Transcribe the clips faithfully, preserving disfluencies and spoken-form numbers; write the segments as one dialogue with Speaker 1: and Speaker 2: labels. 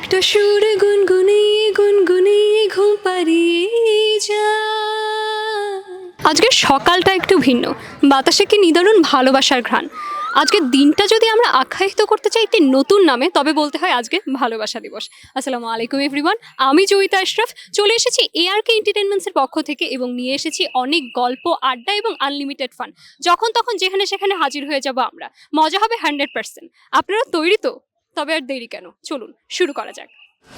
Speaker 1: একটা সুর গুনগুনিয়ে গুনগুনিয়ে ঘুম পাড়িয়ে যা। আজকের সকালটা একটু ভিন্ন, বাতাসে কি নিদারুণ ভালোবাসার ঘ্রাণ। আজকের দিনটা যদি আমরা আখ্যায়িত করতে চাই একটি নতুন নামে, তবে বলতে হয় আজকে ভালোবাসা দিবস। আসসালামু আলাইকুম এভরিওয়ান, আমি জয়িতা আশরাফ চলে এসেছি এআরকে এন্টারটেনমেন্টসের পক্ষ থেকে এবং নিয়ে এসেছি অনেক গল্প, আড্ডা এবং আনলিমিটেড ফান। যখন তখন যেখানে সেখানে হাজির হয়ে যাব আমরা, মজা হবে হান্ড্রেড পার্সেন্ট। আপনারা তৈরি তো? তবে আর দেরি কেন, চলুন শুরু করা যাক।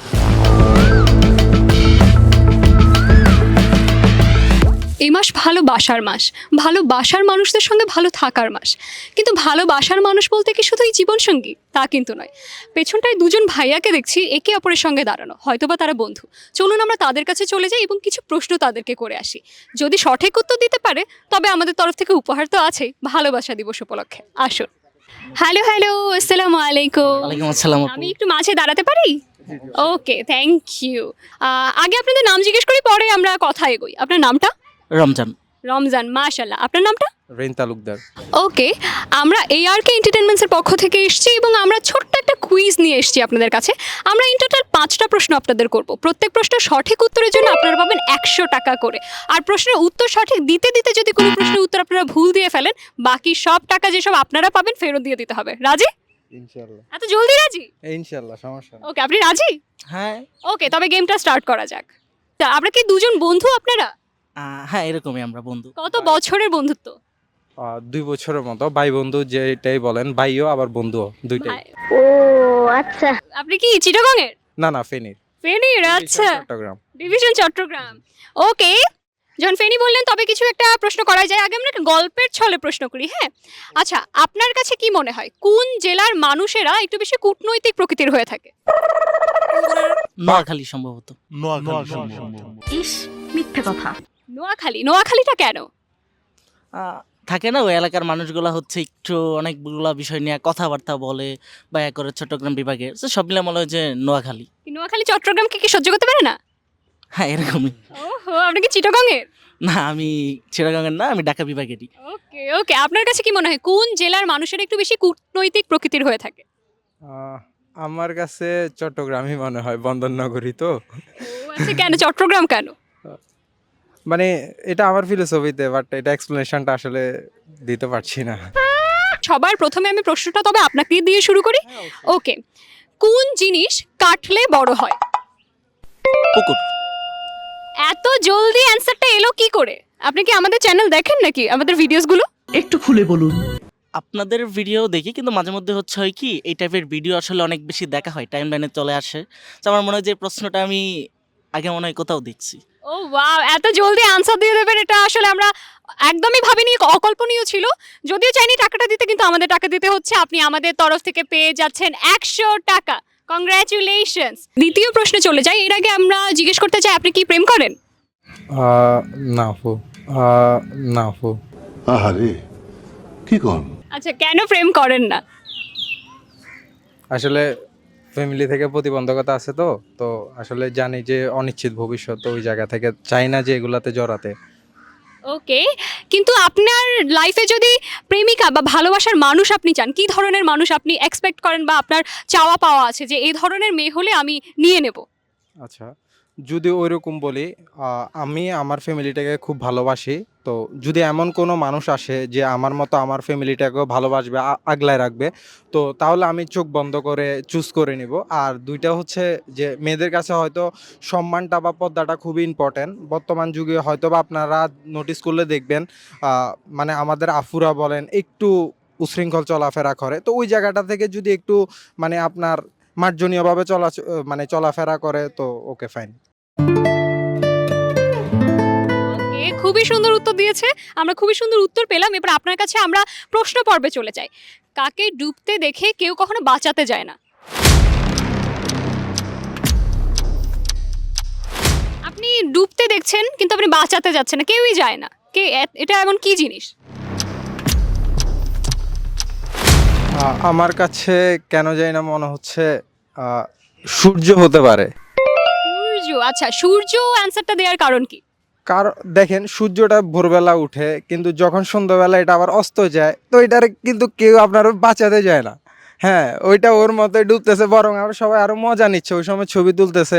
Speaker 1: এই মাস ভালোবাসার মাস, ভালোবাসার মানুষদের সঙ্গে ভালো থাকার মাস। কিন্তু ভালোবাসার মানুষ বলতে কি শুধুই জীবনসঙ্গী? তা কিন্তু নয়। পেছনটায় দুজন ভাইয়াকে দেখছি একে অপরের সঙ্গে দাঁড়ানো, হয়তোবা তারা বন্ধু। চলুন আমরা তাদের কাছে চলে যাই এবং কিছু প্রশ্ন তাদেরকে করে আসি। যদি সঠিক উত্তর দিতে পারে তবে আমাদের তরফ থেকে উপহার তো আছেই ভালোবাসা দিবস উপলক্ষে। আসুন। হ্যালো হ্যালো, আসসালামু আলাইকুম।
Speaker 2: ওয়ালাইকুম আসসালাম আপু।
Speaker 1: আমি একটু মাঝে দাঁড়াতে পারি? Okay, thank you. আগে আপনাদের নাম জিজ্ঞেস করি, পরে আমরা কথা এগোই। আপনার নামটা?
Speaker 2: রমজান।
Speaker 1: রমজান, মাশাল্লাহ। আপনার নামটা?
Speaker 3: রেন তালুকদার।
Speaker 1: ওকে, আমরা এআরকে এন্টারটেনমেন্টসের পক্ষ থেকে এসেছি এবং আমরা ছোট্ট একটা কুইজ নিয়ে এসেছি আপনাদের কাছে। আমরা ইন টোটাল পাঁচটা প্রশ্ন আপনাদের করব। প্রত্যেক প্রশ্নের সঠিক উত্তরের জন্য আপনারা পাবেন একশো টাকা করে। আর প্রশ্নের উত্তর সঠিক দিতে দিতে যদি কোনো প্রশ্নের উত্তর আপনারা ভুল দিয়ে ফেলেন, বাকি সব টাকা যেসব আপনারা পাবেন ফেরত দিয়ে দিতে হবে। রাজি?
Speaker 3: ইনশাআল্লাহ।
Speaker 1: এত জলদি রাজি?
Speaker 3: ইনশাআল্লাহ, সমস্যা নেই।
Speaker 1: ওকে, আপনি রাজি?
Speaker 2: হ্যাঁ।
Speaker 1: ওকে, তবে গেমটা স্টার্ট করা যাক। তা আমরা কি দুজন বন্ধু আপনারা?
Speaker 2: আহ, হ্যাঁ এরকমই আমরা বন্ধু।
Speaker 1: কত বছরের বন্ধুত্ব?
Speaker 3: আহ, দুই বছরের মতো ভাই বন্ধু যেটাই বলেন, ভাইও আবার বন্ধুও দুইটাই।
Speaker 1: ভাই- আপনি কি চিটাগং এর?
Speaker 3: না না, ফেনীর।
Speaker 1: ফেনীর, আচ্ছা।
Speaker 3: চট্টগ্রাম।
Speaker 1: ডিভিশন চট্টগ্রাম। ওকে, যখন ফেনী বললেন তবে কিছু একটা প্রশ্ন করা যায়। আগে আমরা একটা গল্পের ছলে প্রশ্ন করি, হ্যাঁ? আচ্ছা, আপনার কাছে কি মনে হয় কোন জেলার মানুষেরা একটু বেশি কূটনৈতিক প্রকৃতির হয়ে থাকে?
Speaker 2: নোয়াখালী সম্ভবত।
Speaker 4: ইস, মিথ্যে কথা।
Speaker 1: নোয়াখালী। নোয়াখালীটা কেন?
Speaker 2: আহ, থাকে না ওই এলাকার মানুষগুলা হচ্ছে একটু অনেকগুলা বিষয় নিয়ে কথাবার্তা বলে বা এক করে চট্টগ্রাম বিভাগের, তো সব মিলে মনে হয় যে নোয়াখালী।
Speaker 1: কি নোয়াখালী চট্টগ্রামকে কি সহ্য করতে পারে না?
Speaker 2: হ্যাঁ এরকমই।
Speaker 1: ওহো, আপনি কি চিটাগং এর?
Speaker 2: না আমি চিটাগাঙ্গের না, আমি ঢাকা বিভাগেরই।
Speaker 1: ওকে ওকে, আপনার কাছে কি মনে হয় কোন জেলার মানুষেরা একটু বেশি কূটনৈতিক প্রকৃতির হয়ে থাকে?
Speaker 3: আহ, আমার কাছে চট্টগ্রামই মনে হয়, বন্দরনগরী তো।
Speaker 1: ও আচ্ছা, কেন চট্টগ্রাম কেন?
Speaker 3: মানে এটা আমার ফিলোসফিতে, বাট এটা এক্সপ্লেনেশনটা আসলে দিতে পারছি না।
Speaker 1: সবার প্রথমে আমি প্রশ্নটা তবে আপনাকে দিয়ে শুরু করি। ওকে, কোন জিনিস কাটলে বড় হয়?
Speaker 2: পুকুর।
Speaker 1: এত জলদি অ্যানসারটা এলো কি করে? আপনি কি আমাদের চ্যানেল দেখেন নাকি, আমাদের ভিডিওসগুলো?
Speaker 4: একটু খুলে বলুন।
Speaker 2: আপনাদের ভিডিও দেখি, কিন্তু মাঝে মধ্যে হচ্ছে হয় কি এই টাইপের ভিডিও আসলে অনেক বেশি দেখা হয়, টাইম লাইনে চলে আসে। তো আমার মনে হয় যে প্রশ্নটা আমি আগে মনে হয় কোথাও দেখছি।
Speaker 1: ও ওয়াও, এত জলদি আনসার দিয়ে দেবেন, এটা আসলে আমরা একদমই ভাবিনি, অকল্পনীয় ছিল। যদিও চাইনি টাকাটা দিতে, কিন্তু আমাদের টাকা দিতে হচ্ছে। আপনি আমাদের তরফ থেকে পেয়ে যাচ্ছেন একশো টাকা। কংগ্রাচুলেশনস। দ্বিতীয় প্রশ্নে চলে যাই। এর আগে আমরা জিজ্ঞেস করতে চাই, আপনি কি প্রেম করেন?
Speaker 3: আহ, না আপু। আহ, না আপু।
Speaker 5: আহারে কি কন?
Speaker 1: আচ্ছা, কেন প্রেম করেন না?
Speaker 3: আসলে ফ্যামিলি থেকে প্রতিবন্ধকতা আছে, তো তো আসলে জানি যে অনিশ্চিত ভবিষ্যৎ, তো ওই জায়গা থেকে চাই না যে এগুলাতে জড়াতে।
Speaker 1: ওকে, কিন্তু আপনার লাইফে যদি প্রেমিকা বা ভালোবাসার মানুষ আপনি চান, কি ধরনের মানুষ আপনি এক্সপেক্ট করেন বা আপনার চাওয়া পাওয়া আছে যে এই ধরনের মেয়ে হলে আমি নিয়ে নেব?
Speaker 3: আচ্ছা, যদি ওইরকম বলি, আহ, আমি আমার ফ্যামিলিটাকে খুব ভালোবাসি। তো যদি এমন কোনো মানুষ আসে যে আমার মতো আমার ফ্যামিলিটাকেও ভালোবাসবে, আ- আগলায় রাখবে, তো তাহলে আমি চোখ বন্ধ করে চুজ করে নিব। আর দুইটা হচ্ছে যে মেয়েদের কাছে হয়তো সম্মানটা বা পর্দাটা খুবই ইম্পর্ট্যান্ট। বর্তমান যুগে হয়তো বা আপনারা নোটিস করলে দেখবেন, আহ, মানে আমাদের আফুরা বলেন একটু উশৃঙ্খল চলাফেরা করে, তো ওই জায়গাটা থেকে যদি একটু মানে আপনার মার্জনীয়ভাবে চলা মানে চলাফেরা করে, তো ওকে ফাইন।
Speaker 1: ওকে, খুবই সুন্দর উত্তর দিয়েছে। আমরা খুবই সুন্দর উত্তর পেলাম। এবার আপনার কাছে আমরা প্রশ্ন পর্বে চলে যাই। কাকে ডুবতে দেখে কেউ কখনো বাঁচাতে যায় না? আপনি ডুবতে দেখছেন কিন্তু আপনি বাঁচাতে যাচ্ছেন না, কেউই যায় না। কে এ- এটা এমন কি জিনিস?
Speaker 3: আহ, আমার কাছে কেন জানি না মনে হচ্ছে আহ, সূর্য হতে পারে।
Speaker 1: সূর্য। আচ্ছা, সূর্য অ্যান্সারটা দেওয়ার কারণ কি?
Speaker 3: কারণ দেখেন, সূর্যটা ভোরবেলা উঠে, কিন্তু যখন সন্ধ্যাবেলা এটা আবার অস্ত যায়, তো এটার কিন্তু কেউ আপনার বাঁচাতে যায় না। হ্যাঁ, ওইটা ওর মতোই ডুবতেছে, বরং আরো সবাই আরো মজা নিচ্ছে, ওই সময় ছবি তুলতেছে।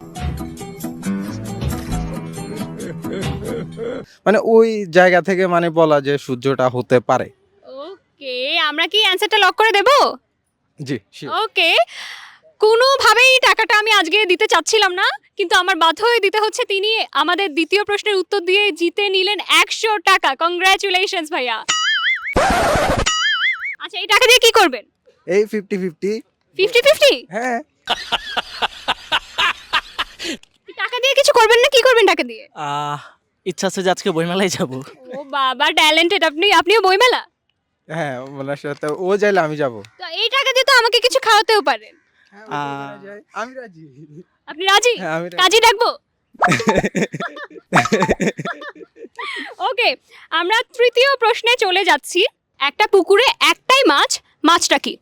Speaker 3: মানে ওই জায়গা থেকে মানে বলা যে সূর্যটা হতে পারে।
Speaker 1: ওকে, আমরা কি অ্যানসারটা লক করে দেব?
Speaker 3: জি, sure.
Speaker 1: ওকে, কোনোভাবেই টাকাটা আমি আজকে দিতে চাচ্ছিলাম না, কিন্তু আমার বাধ্য হয়ে দিতে হচ্ছে। তিনি আমাদের দ্বিতীয় প্রশ্নের উত্তর দিয়ে জিতে নিলেন একশো টাকা। কংগ্রাচুলেশনস ভাইয়া। আচ্ছা, এই টাকা দিয়ে কি করবেন?
Speaker 3: এই ফিফটি ফিফটি।
Speaker 1: Fifty fifty?
Speaker 3: হ্যাঁ,
Speaker 1: টাকা দিয়ে কিছু করবেন না, কি করবেন টাকা দিয়ে?
Speaker 2: আহ, ইচ্ছা আছে যে আজকে বইমেলায় যাব।
Speaker 1: ও বাবা, ট্যালেন্টেড আপনি। আপনিও বইমেলা?
Speaker 3: হ্যাঁ, ওনার সাথে ও চাইলে আমি যাবো।
Speaker 1: তো এই টাকা দিয়ে তো আমাকে কিছু খাওয়াতেও পারেন।
Speaker 3: হ্যাঁ,
Speaker 2: আহ,
Speaker 3: আমি রাজি।
Speaker 1: আপনি রাজি?
Speaker 3: হ্যাঁ, আমি রাজি।
Speaker 1: কাজী ডাকবো? ওকে, আমরা তৃতীয় প্রশ্নে চলে যাচ্ছি। একটা পুকুরে একটাই মাছ, মাছটা কি?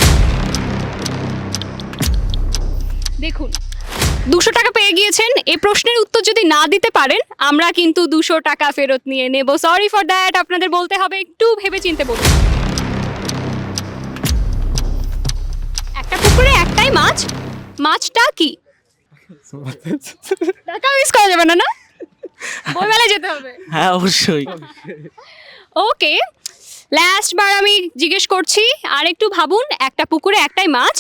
Speaker 1: দেখুন, দুশো টাকা পেয়ে গিয়েছেন। এই প্রশ্নের উত্তর যদি না দিতে পারেন, আমরা কিন্তু দুশো টাকা ফেরত নিয়ে নেব। সরি ফর দ্যাট, আপনাদের বলতে হবে, একটু ভেবে চিন্তে বলুন। একটা পুকুরে একটাই মাছ, মাছটা কি? টাকা মিস করা যাবে না, না? বইমেলায় যেতে হবে।
Speaker 2: হ্যাঁ, অবশ্যই।
Speaker 1: ওকে, লাস্ট বার আমি জিজ্ঞেস করছি, আর একটু ভাবুন। একটা পুকুরে একটাই মাছ।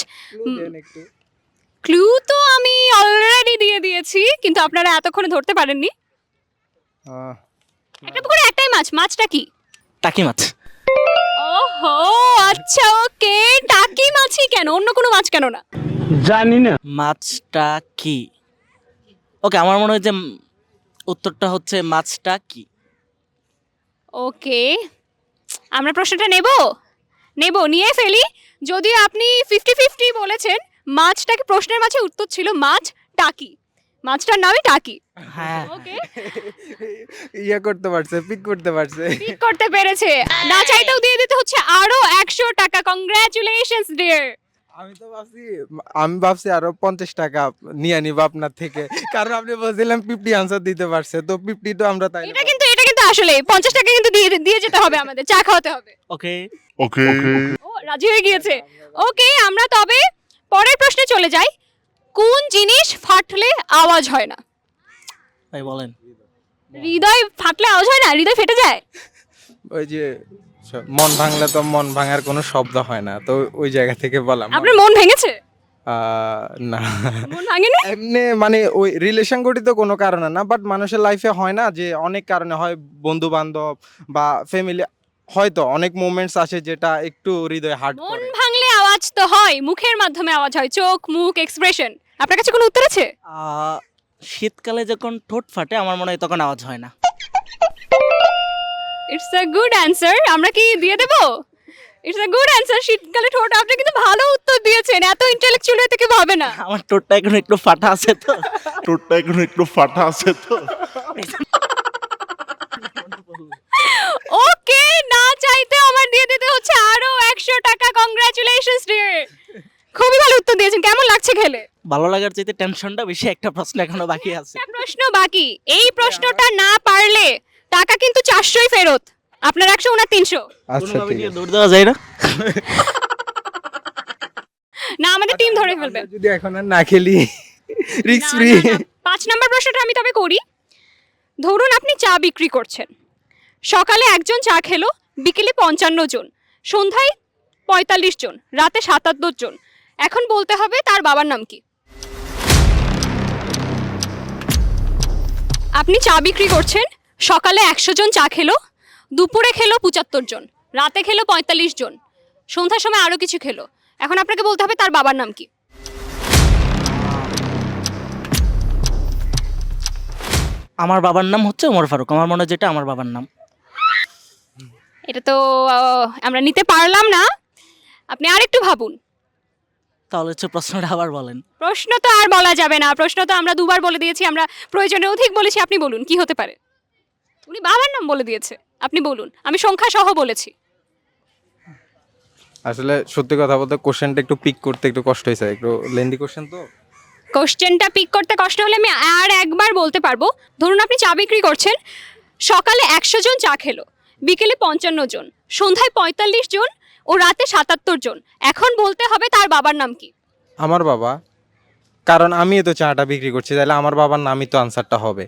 Speaker 1: ক্লু তো আমি অলরেডি দিয়ে দিয়েছি, কিন্তু আপনারা এতক্ষণে ধরতে পারেননি।
Speaker 3: আহ,
Speaker 1: একটা পুকুরে একটাই মাছ, মাছটা কি?
Speaker 2: টাকি মাছ।
Speaker 1: ওহো, আচ্ছা, ওকে। টাকি মাছই কেন, অন্য কোনো মাছ কেন না?
Speaker 2: মাছটা কি? ওকে, আমার মনে হয় যে উম, উত্তরটা হচ্ছে মাছটা কি।
Speaker 1: ওকে, আমরা প্রশ্নটা নেব নেব নিয়ে ফেলি। যদিও আপনি ফিফটি ফিফটি বলেছেন, মাছটাকে প্রশ্নের মাঝে উত্তর ছিল মাছ টাকি। মাছটার নামই টাকি।
Speaker 2: হ্যাঁ,
Speaker 1: ওকে,
Speaker 3: ইয়ে করতে পারছে, পিক করতে পারছে।
Speaker 1: ঠিক করতে পেরেছে। না চাইতেও দিয়ে দিতে হচ্ছে আরো একশো টাকা। Congratulations dear.
Speaker 3: আমি তো ভাবছি আমি ভাবছি আরো পঞ্চাশ টাকা নিয়ে নিব আপনার থেকে, কারণ আপনি বলছিলেন ফিফটি আনসার দিতে পারছে, তো ফিফটি তো আমরা তাই
Speaker 1: এটা কিন্তু এটা কিন্তু আসলে পঞ্চাশ টাকা কিন্তু দিয়ে দিয়ে যেতে হবে, আমাদের চা খাওয়াতে হবে।
Speaker 2: ওকে।
Speaker 5: Okay.
Speaker 1: ও রাজি হয়ে গিয়েছে। ওকে, আমরা তবে পরের প্রশ্নে চলে যাই। কোন জিনিস ফাটলে আওয়াজ হয় না?
Speaker 2: ভাই বলেন।
Speaker 1: হৃদয় ফাটলে আওয়াজ হয় না? হৃদয় ফেটে যায়?
Speaker 3: ওই যে স- মন ভাঙলে তো মন ভাঙার কোনো শব্দ হয় না, তো ওই জায়গা থেকে বললাম।
Speaker 1: আপনার মন ভেঙেছে?
Speaker 3: আহ, না,
Speaker 1: মন ভাঙেনি?
Speaker 3: এমনি মানে ওই রিলেশন গঠিত কোনো কারণে না, বাট মানুষের লাইফে হয় না যে অনেক কারণে হয়, বন্ধু বান্ধব বা ফ্যামিলি, হয়তো অনেক মোমেন্টস আসে যেটা একটু হৃদয় হার্ট
Speaker 1: মন
Speaker 3: করে।
Speaker 1: ভাঙলে আওয়াজ তো হয়, মুখের মাধ্যমে আওয়াজ হয়, চোখ, মুখ, এক্সপ্রেশন। আপনার কাছে কোনো উত্তর আছে?
Speaker 2: আহ, শীতকালে যখন ঠোঁট ফাটে আমার মনে হয় তখন আওয়াজ হয় না।
Speaker 1: It's a good answer. আমরা কি দিয়ে দেব? It's a good answer. শীতকালে ঠোঁট। আপনি কিন্তু ভালো উত্তর দিয়েছেন, এত ইন্টেলেকচুয়াল হতে কেউ হবে না।
Speaker 2: আমার ঠোঁটটা এখন একটু ফাটা আছে তো।
Speaker 5: ঠোঁটটা এখন একটু ফাটা আছে তো।
Speaker 1: ওকে, না চাইতে আমার দিয়ে দিতে হচ্ছে আরো একশো টাকা। কংগ্রাচুলেশনস ডিয়ার, খুবই ভালো উত্তর দিয়েছেন। কেমন লাগছে খেলে?
Speaker 2: ভালো লাগার চাইতে টেনশনটা বেশি। একটা প্রশ্ন এখনো বাকি আছে।
Speaker 1: একটা প্রশ্ন বাকি। এই প্রশ্নটা না পারলে টাকা কিন্তু চারশোই ফেরত। আপনার একশো, ওনার তিনশো।
Speaker 3: আচ্ছা,
Speaker 2: কোনোভাবে
Speaker 3: ঠিক
Speaker 2: নিয়ে
Speaker 3: আছে।
Speaker 2: দৌড় দেওয়া যায় না।
Speaker 1: না, আমাদের টিম ধরে
Speaker 3: আমরা
Speaker 1: ফেলবে।
Speaker 3: যদি এখন আর না খেলি, রিস্ক
Speaker 1: না,
Speaker 3: ফ্রি।
Speaker 1: না, না। পাঁচ নাম্বার প্রশ্নটা আমি তবে করি। ধরুন আপনি চা বিক্রি করছেন। সকালে একজন চা খেলো, বিকেলে পঞ্চান্ন জন, সন্ধ্যায় পঁয়তাল্লিশ জন, রাতে সাতাত্তর জন। এখন বলতে হবে তার বাবার নাম কি? আপনি চা বিক্রি করছেন, সকালে একশো জন চা খেলো, দুপুরে খেলো পঁচাত্তর জন, রাতে খেলো পঁয়তাল্লিশ জন, সন্ধ্যার সময় আরও কিছু খেলো। এখন আপনাকে বলতে হবে তার বাবার নাম কি?
Speaker 2: আমার বাবার নাম হচ্ছে ওমর ফারুক। আমার মনে হয় যেটা আমার বাবার নাম।
Speaker 1: এটা তো আহ, আমরা নিতে পারলাম না। আপনি আরেকটু ভাবুন।
Speaker 2: তাহলে হচ্ছে প্রশ্নটা আবার বলেন।
Speaker 1: প্রশ্ন তো আর বলা যাবে না, প্রশ্ন তো আমরা দুবার বলে দিয়েছি, আমরা প্রয়োজনে অধিক বলেছি। আপনি বলুন কি হতে পারে? উনি বাবার নাম বলে দিয়েছে, আপনি বলুন। আমি সংখ্যা সহ বলেছি।
Speaker 3: আসলে সত্যি কথা বলতে কোশ্চেনটা একটু পিক করতে একটু কষ্ট হয়েছে, একটু লেন্দি কোশ্চেন তো।
Speaker 1: কোশ্চেনটা পিক করতে কষ্ট হলে আমি আর একবার বলতে পারবো। ধরুন আপনি চা বিক্রি করছেন, সকালে একশো জন চা খেলো, বিকেলে পঞ্চান্ন জন, সন্ধ্যায় পঁয়তাল্লিশ জন, ও রাতে সাতাত্তর জন, এখন বলতে হবে তার বাবার নাম কি?
Speaker 3: আমার বাবা, কারণ আমি তো চাটা বিক্রি করছি, তাহলে আমার বাবার নামই তো আনসারটা হবে।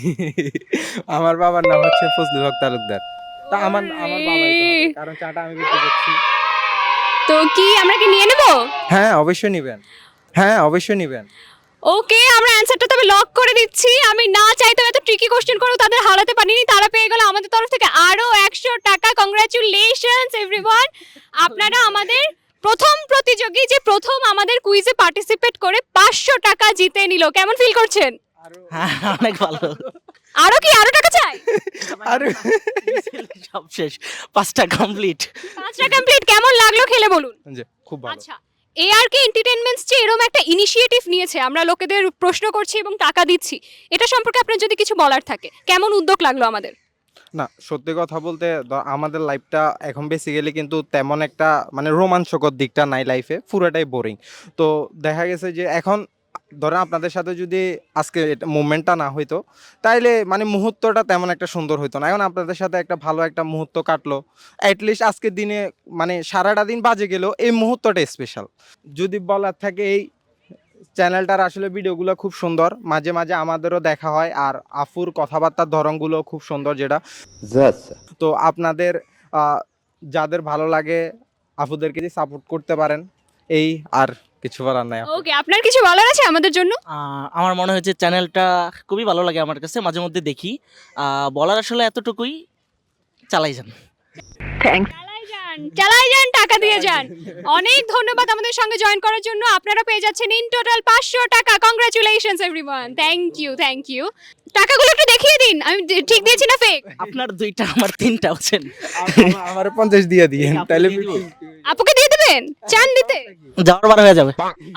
Speaker 3: আমার বাবার নাম হচ্ছে ফজলুল হক তালুকদার। তা আমার আমার বাবাই তো হবে, কারণ চাটা আমি বিক্রি করছি।
Speaker 1: তো কি আমরা কি নিয়ে নেব?
Speaker 3: হ্যাঁ অবশ্যই নিবেন, হ্যাঁ অবশ্যই নিবেন।
Speaker 1: ওকে, আমরা অ্যানসারটা তবে লক করে দিচ্ছি। আমি না চাইতেও এত ট্রিকি কোশ্চেন করেও তাদের হারাতে পারিনি, তারা পেয়ে গেল আমাদের তরফ থেকে আরো একশো টাকা। Congratulations everyone. আপনারা আমাদের প্রথম প্রতিযোগী যে প্রথম আমাদের কুইজে পার্টিসিপেট করে পাঁচশো টাকা জিতে নিল। কেমন ফিল করছেন?
Speaker 2: হ্যাঁ অনেক ভালো।
Speaker 1: আরো কি আরো টাকা চাই?
Speaker 3: আরে
Speaker 2: সব শেষ, পাঁচটা কমপ্লিট।
Speaker 1: পাঁচটা কমপ্লিট। কেমন লাগলো খেলে বলুন?
Speaker 3: যে খুব ভালো।
Speaker 1: আচ্ছা, এআরকে এন্টারটেইনমেন্টস যে এরকম একটা ইনিশিয়েটিভ নিয়েছে, আমরা লোকেদের প্রশ্ন করছি এবং টাকা দিচ্ছি, এটা সম্পর্কে আপনার যদি কিছু বলার থাকে, কেমন উদ্যোগ লাগলো আমাদের?
Speaker 3: না সত্যি কথা বলতে দ- আমাদের লাইফটা এখন বেসিক্যালি কিন্তু তেমন একটা মানে রোমাঞ্চকর দিকটা নাই লাইফে, পুরোটাই বোরিং। তো দেখা গেছে যে এখন ধরেন আপনাদের সাথে যদি আজকে মুভমেন্টটা না হইতো, তাইলে মানে মুহূর্তটা তেমন একটা সুন্দর হইতো না। এখন আপনাদের সাথে একটা ভালো একটা মুহূর্ত কাটলো, অ্যাটলিস্ট আজকের দিনে মানে সারাটা দিন বাজে গেলেও এই মুহূর্তটা স্পেশাল। যদি বলার থাকে, এই চ্যানেলটার আসলে ভিডিওগুলো খুব সুন্দর, মাঝে মাঝে আমাদেরও দেখা হয়, আর আফুর কথাবার্তার ধরনগুলো খুব সুন্দর যেটা। তো আপনাদের আহ, যাদের ভালো লাগে আফুদেরকে সাপোর্ট করতে পারেন, এই আর কিছু বলার নাই।
Speaker 1: ওকে, আপনার কিছু বলার আছে আমাদের জন্য?
Speaker 2: আহ, আমার মনে হয়েছে চ্যানেলটা খুবই ভালো লাগে আমার কাছে, মাঝে মধ্যে দেখি। আহ, বলার আসলে এতটুকুই, চালাই যান।
Speaker 4: থ্যাংক
Speaker 1: চালাই যান, চালাই যান, টাকা দিয়ে যান। অনেক ধন্যবাদ আমাদের সঙ্গে জয়েন করার জন্য। আপনারা পেয়ে যাচ্ছেন ইন টোটাল পাঁচশো টাকা। Congratulations everyone, thank you thank you. টাকাগুলো একটু দেখিয়ে দিন, আমি দে- ঠিক দিয়েছি না ফেক?
Speaker 2: আপনার দুইটা আমার তিনটা হচ্ছেন।
Speaker 3: আমার পঞ্চাশ দিয়ে দিয়ে
Speaker 2: আপনাকে
Speaker 3: তাহলে
Speaker 2: দিয়ে দিব?
Speaker 1: আপুকে দিয়ে দেবেন? চান দিতে?
Speaker 2: যাওয়ার বার হয়ে যাবে।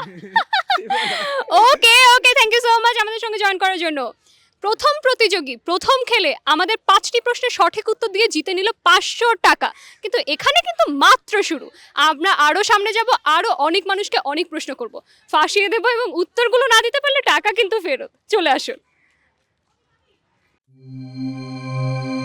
Speaker 1: Okay okay, thank you so much আমাদের সঙ্গে জয়েন করার জন্য। প্রথম প্রতিযোগী প্রথম খেলে আমাদের পাঁচটি প্রশ্নের সঠিক উত্তর দিয়ে জিতে নিল পাঁচশো টাকা। কিন্তু এখানে কিন্তু মাত্র শুরু, আমরা আরও সামনে যাব, আরও অনেক মানুষকে অনেক প্রশ্ন করব, ফাঁসিয়ে দেবো, এবং উত্তরগুলো না দিতে পারলে টাকা কিন্তু ফেরত। চলে আসুন।